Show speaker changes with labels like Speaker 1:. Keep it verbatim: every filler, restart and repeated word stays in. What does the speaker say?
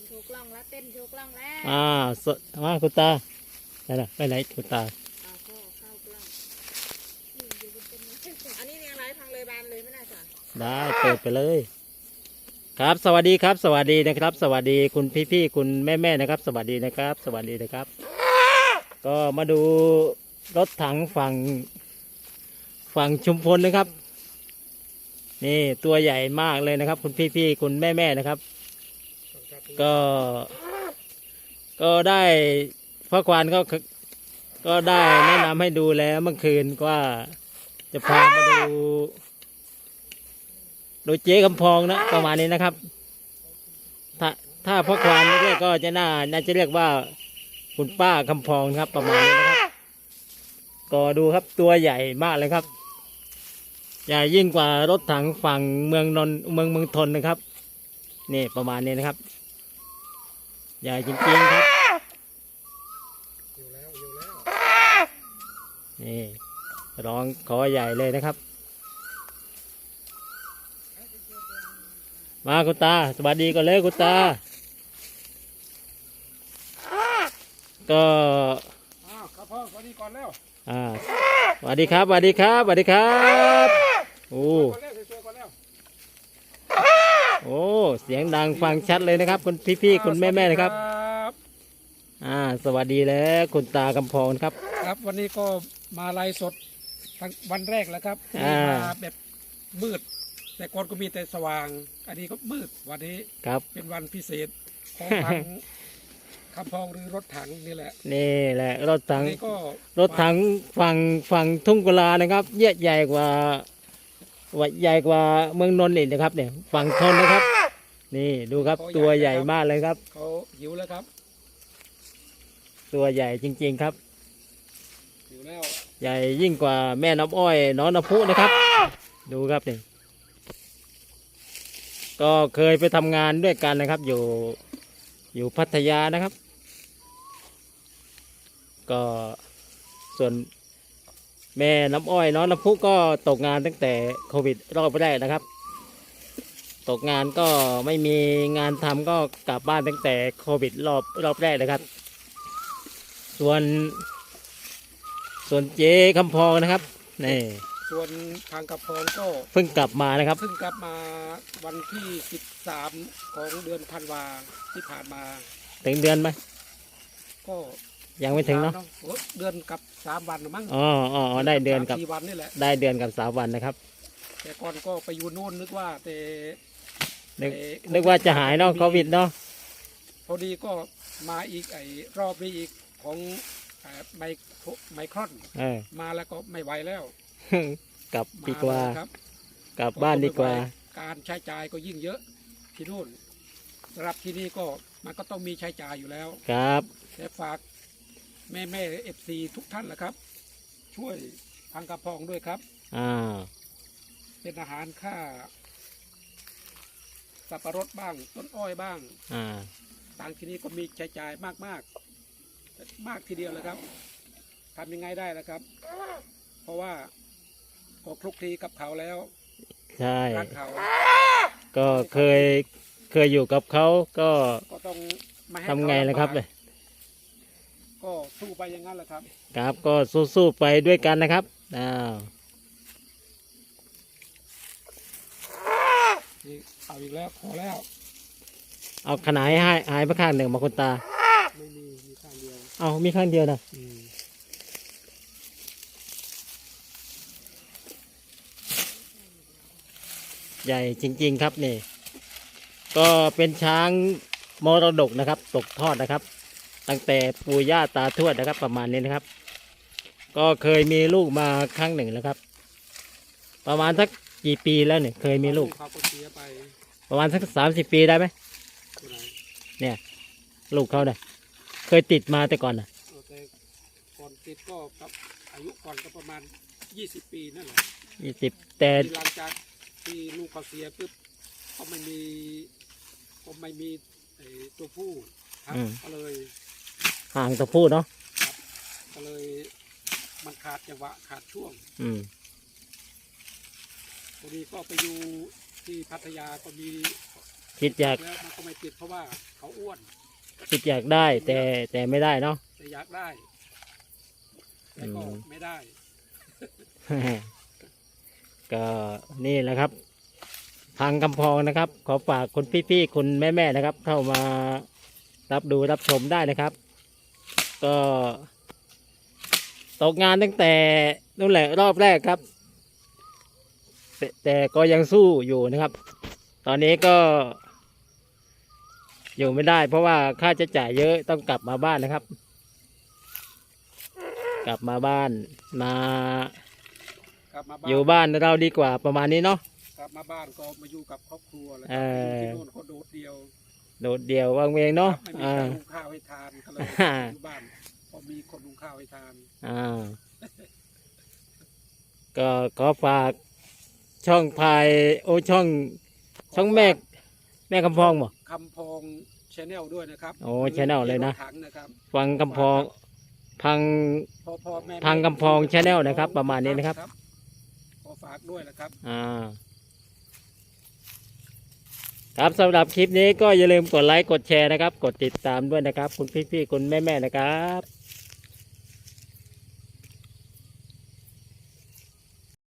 Speaker 1: โชว์กล้องแล้วเต้นโชว์กล้องแล้ว
Speaker 2: อ่าสมาคุณตาไปไหนไปไหนคุณตา
Speaker 1: อ่าพ่อเข้ากล้องนี่อยู่บนต้นไม้อันนี้เนี่ยอะไรพังเลยบานเลยไม่น่าจะ
Speaker 2: ได้เปิดไปเลย ครับสวัสดีครับ สวัสดีนะครับ สวัสดีคุณพี่ๆคุณแม่ๆนะครับ สวัสดีนะครับ สวัสดีนะครับ ก็มาดูรถถังฝั่งฝั่งชุมพลนะครับ นี่ตัวใหญ่มากเลยนะครับ คุณพี่ๆคุณแม่ๆนะครับ ก็ก็ได้พ่อควานก็ก็ได้แนะนำให้ดูแล้วเมื่อคืนว่าจะพามาดูดูเจ๊กำพองนะประมาณนี้นะครับ ถ้าถ้าพ่อควานเรียกก็จะน่าน่าจะเรียกว่าคุณป้าคำพองครับประมาณนี้นะครับก็ดูครับตัวใหญ่มากเลยครับใหญ่ยิ่งกว่ารถถังฝั่งเมืองนนท์เมืองเมืองทนนะครับนี่ประมาณนี้นะครับใหญ่จริงๆครับอยู่แล้วอยู่แล้วนี่ร้องขอใหญ่เลยนะครับมาคุณตาสวัสดีก่อนเลยคุณตาก็
Speaker 3: ครับพ่อสวัสดีก่อนแล้ว
Speaker 2: อ่าสวัสดีครับสวัสดีครับสวัสดีครับโอ้โอ้เสียงดังฟังชัดเลยนะครับคุณพี่ๆคุณแม่ๆนะครับอ่าสวัสดีแล้วคุณตากำพองครับ
Speaker 3: ครับวันนี้ก็มาไลฟ์สดทั้งวันแรกแล้วครับ
Speaker 2: อ่า
Speaker 3: มาแบบมืด แต่ก่อนก็มีแต่สว่าง อันนี้ก็มืดวันนี้
Speaker 2: ครับ
Speaker 3: เป็นวันพิเศษของทางคำพองหรือรถถังนี่แหละ
Speaker 2: นี่แหละรถถัง
Speaker 3: วันนี้ก็
Speaker 2: รถถังฝั่งฝั่งทุ่งกุลานะครับเยอะใหญ่กว่าว่าใหญ่กว่าเมืองนนท์อีกนะครับเนี่ยฝั่งทนนะครับ นี่ดูครับตัวใหญ่มากเลยครับ
Speaker 3: เขาหิวแล้วครับ
Speaker 2: ตัวใหญ่จริงๆครับ
Speaker 3: หิวแล้ว
Speaker 2: ใหญ่ยิ่งกว่าแม่น้ำอ้อยน้องน้ำพุนะครับ ดูครับนี่ก็เคยไปทำงานด้วยกันนะครับ อยู่อยู่พัทยานะครับ ก็ส่วนแม่น้ำอ้อยน้องน้ำพุก็ตกงานตั้งแต่โควิดรอบแรกนะครับ ตกงานก็ไม่มีงานทำก็กลับบ้านตั้งแต่โควิดรอบรอบแรกนะครับ ส่วนส่วนเจ๊คำพองนะครับนี่
Speaker 3: ส่วนทางกระพองก็
Speaker 2: เพิ่งกลับมานะครับ
Speaker 3: เพิ่งกลับมาวันที่สิบสามของเดือนธันวาที่ผ่านมา
Speaker 2: ถึงเดือนไหม
Speaker 3: ก็
Speaker 2: ยังไม่ถึงเนาะ
Speaker 3: โอ้เดือนกับสามวันหรือมั้ง
Speaker 2: อ๋ออ๋ออ๋อได้เดือนกับ
Speaker 3: สามสี่วันนี่แหละ
Speaker 2: ได้เดือนกับสามวันนะครับ
Speaker 3: แต่ก่อนก็ไปอยู่โน่นนึกว่าแต่
Speaker 2: นึก
Speaker 3: แต่
Speaker 2: นึกว่าจะหายเนาะโควิดเนาะ
Speaker 3: พอดีก็มาอีกไอ้รอบนี้อีกของเอ่อไมโครไมครอน
Speaker 2: เออ
Speaker 3: มาแล้วก็ไม่ไหวแล้ว
Speaker 2: กลับ
Speaker 3: มา
Speaker 2: ดีกว่า
Speaker 3: แล้วครับ
Speaker 2: กลับบ้านดีกว่า
Speaker 3: การใช้จ่ายก็ยิ่งเยอะที่นู่นสำหรับที่นี่ก็มันก็ต้องมีใช้จ่ายอยู่แล้ว
Speaker 2: ครับ
Speaker 3: แต่ฝากแม่แม่เอฟซีทุกท่านแหละครับ ช่วยทางกระพองด้วยครับ
Speaker 2: อ่า
Speaker 3: เป็นอาหารค่าสับปะรดบ้าง ต้นอ้อยบ้าง
Speaker 2: อ่า
Speaker 3: ต่างที่นี้ก็มีใช้จ่ายมากมากๆมากทีเดียวเลยครับทำยังไงได้ล่ะครับ เพราะว่าก็คลุกคลีกับเขาแล้ว
Speaker 2: ใช่
Speaker 3: รักเขา
Speaker 2: ก็เคยเคยอยู่กับเขาก็
Speaker 3: ก็ต้องไม่ให้
Speaker 2: ทำไงล่ะครับ
Speaker 3: เขา
Speaker 2: เลย
Speaker 3: ลำบากก็สู้ไปอย่างนั้นแหละครับ
Speaker 2: ครับก็สู้ๆไปด้วยกันนะครับอ้าว
Speaker 3: นี่เอาอีกแล้วพอแล้ว
Speaker 2: เอาขนาดให้หายไปข้างหนึ่งมาคุณตา
Speaker 3: ไม่มีมีข้างเดียว
Speaker 2: เอามีข้างเดียวนะ
Speaker 3: อืม
Speaker 2: ใหญ่จริงๆครับนี่ ก็เป็นช้างมรดกนะครับ ตกทอดนะครับ ตั้งแต่ปู่ย่าตาทวดนะครับ ประมาณนี้นะครับ ก็เคยมีลูกมาครั้งหนึ่งแล้วครับ ประมาณสักกี่ปีแล้วเนี่ยเคยมีลูก
Speaker 3: เขาก็เสียไป
Speaker 2: ประมาณสักสามสิบปีได้ไหม
Speaker 3: ตัวไหน
Speaker 2: เนี่ย ลูกเขาเนี่ยเคยติดมาแต่ก่อนนะ
Speaker 3: เอาแต่ก่อนติดก็กับอายุก่อนก็ประมาณยี่สิบปีนั่นแหละ
Speaker 2: ยี่สิบแต่
Speaker 3: ที่หลังจากที่ลูกเขาเสียปุ๊บก็ไม่มีก็ไม่มีไอ้ตัวผู้ครับก็เลย
Speaker 2: ห่างตัวผู้เนาะ
Speaker 3: ก็เลยมันขาดจังหวะขาดช่วง
Speaker 2: อืม
Speaker 3: พอดีก็ไปอยู่ที่พัทยาก็มี
Speaker 2: คิดอยาก
Speaker 3: แล้วมันก็ไม่ติดเพราะว่าเขาอ้วน
Speaker 2: คิดอยากได้แต่แต่ไม่ได้เนาะ
Speaker 3: แต่อยากได้แต่ก็
Speaker 2: อืม
Speaker 3: ไม่ได้
Speaker 2: ก็นี่แหละครับ ทางกำพองนะครับ ขอฝากคุณพี่ๆคุณแม่ๆนะครับ เข้ามารับดูรับชมได้นะครับ ก็ตกงานตั้งแต่นู่นแหละรอบแรกครับแต่แต่ก็ยังสู้อยู่นะครับ ตอนนี้ก็ อยู่ไม่ได้ เพราะว่าค่าใช้จ่ายเยอะต้องกลับมาบ้านนะครับ กลับมาบ้านมา
Speaker 3: กลับมาบ้าน
Speaker 2: อยู่บ้านเราดีกว่าประมาณนี้เนาะ
Speaker 3: กลับมาบ้านก็มาอยู่กับครอบครัวแล้ว
Speaker 2: เออ
Speaker 3: ที่โน่นเขาโดดเดียว
Speaker 2: โดดเดี่ยววางเวงเนาะ
Speaker 3: ครับไม่มี
Speaker 2: อ่า
Speaker 3: ใครหุงข้าวให้ทานก็เลย
Speaker 2: อ่า
Speaker 3: อยู่บ้านพอมีคนหุงข้าวให้ทาน
Speaker 2: อ่า ก็ขอฝากช่องพายโอช่อง ช่องแม่แม่คำพองบ่
Speaker 3: คำพองชแนลด้วยนะครับ
Speaker 2: โอ้ channel เลยนะ
Speaker 3: รถถังนะครับ
Speaker 2: ฟังคำพองพัง
Speaker 3: พ่อพ่อแม่
Speaker 2: ทางกำพอง channel นะครับประมาณนี้นะครับ
Speaker 3: ขอฝากด้วยนะครับ
Speaker 2: อ่า ครับสำหรับคลิปนี้ก็อย่าลืมกดไลค์กดแชร์นะครับ กดติดตามด้วยนะครับ คุณพี่ๆคุณแม่ๆนะครับ